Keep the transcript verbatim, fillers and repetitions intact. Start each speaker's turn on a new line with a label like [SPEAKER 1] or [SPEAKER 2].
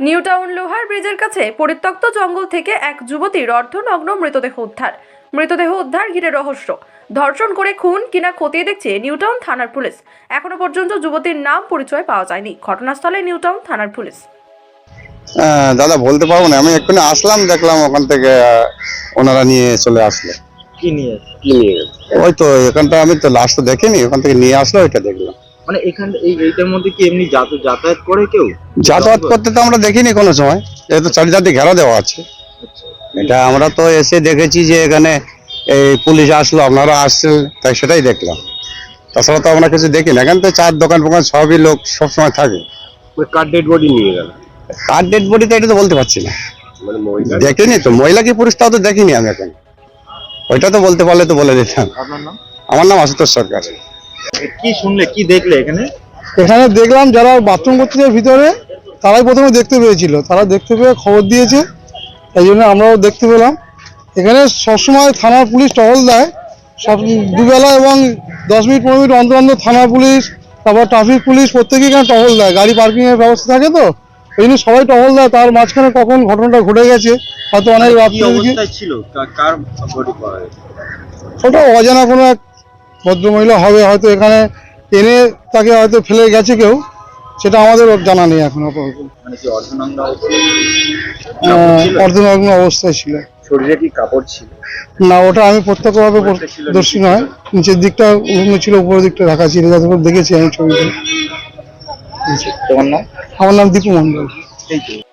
[SPEAKER 1] New town লোহার ব্রিজের কাছে পরিত্যক্ত জঙ্গল থেকে এক যুবতীর অর্ধনগ্ন মৃতদেহ উদ্ধার। মৃতদেহ উদ্ধার ঘিরে রহস্য। ধর্ষণ করে খুন কিনা খতিয়ে দেখছে নিউ টাউন থানার পুলিশ। এখনো পর্যন্ত যুবতীর নাম পরিচয় পাওয়া যায়নি। ঘটনাস্থলে নিউ টাউন থানার পুলিশ।
[SPEAKER 2] দাদা বলতে পারবো না, আমি এক্ষুনি আসলাম, দেখলাম ওখান থেকে ওনারা নিয়ে চলে আসলো।
[SPEAKER 3] কি নিয়ে কি নিয়ে গেছে?
[SPEAKER 2] ওই তো এখানটা আমি তো লাস্ট তো দেখিনি, ওখান থেকে নিয়ে আসলো, ওইটা দেখলাম।
[SPEAKER 3] মানে এখান এই এইটার মধ্যে কি এমনি যাতা- যাতায়াত করে কেউ?
[SPEAKER 2] যাতায়াত করতে তো আমরা দেখিনি কোনো সময়, যেহেতু চারিদিকে ঘেরা দেওয়া আছে। এটা আমরা তো এসে দেখেছি যে এখানে এই পুলিশ আসলো, আপনারা আসছেন, তাই সেটাই দেখলাম। তাছাড়া তো আমরা কিছু দেখি না। এখান থেকে চার দোকান ফোকান সবই লোক সবসময় থাকে।
[SPEAKER 3] কার ডেড বডি নিয়ে গেল?
[SPEAKER 2] কার ডেড বডিটা এটা তো বলতে পারছি না,
[SPEAKER 3] মানে মহিলা?
[SPEAKER 2] দেখিনি তো। মহিলা কি পুরুষ তাও তো দেখিনি আমি এখন। ওইটা তো বলতে পারলে তো বলে দিতাম।
[SPEAKER 3] আপনার নাম?
[SPEAKER 2] আমার নাম আশুতোষ সরকার।
[SPEAKER 3] কি শুনলে, কি দেখলে এখানে?
[SPEAKER 4] এখানে দেখলাম যারা বাথরুম করতে যায় ভিতরে, তারাই প্রথমে দেখতে পেয়েছিল। তারা দেখতে পেয়ে খবর দিয়েছে, তাই জন্য আমরাও দেখতে পেলাম। এখানে সবসময় থানার পুলিশ টহল দেয়, সব দুবেলা এবং দশ মিনিট পনেরো মিনিট অন্তর অন্তর থানা পুলিশ, তারপর ট্রাফিক পুলিশ প্রত্যেকেই এখানে টহল দেয়। গাড়ি পার্কিং এর ব্যবস্থা থাকে তো, এই জন্য সবাই টহল দেয়। তার মাঝখানে কখন ঘটনাটা ঘটে গেছে হয়তো অনেক
[SPEAKER 3] কি
[SPEAKER 4] রাত্রে দিকে,
[SPEAKER 3] অবস্থায় ছিল? কা- কার বডি পাওয়া গেছে?
[SPEAKER 4] ওটা অজানা কোনো এক ভদ্রমহিলা হবে, হয়তো এখানে এনে তাকে হয়তো ফেলে গেছে কেউ, সেটা আমাদের জানা নেই এখন আপাতত।
[SPEAKER 3] মানে কি অর্ধনগ্ন অবস্থায়?
[SPEAKER 4] আহ, অর্ধনগ্ন অবস্থায় ছিল।
[SPEAKER 3] শরীরে কি কাপড় ছিল?
[SPEAKER 4] না, ওটা আমি প্রত্যক্ষভাবে দর্শী নয়, নিচের দিকটা উলঙ্গ ছিল, উপরের দিকটা ঢাকা ছিল, যতক্ষণ দেখেছি আমি ছবিতে।
[SPEAKER 3] তোমার নাম?
[SPEAKER 4] আমার নাম দীপু মন্ডল।
[SPEAKER 3] এই তো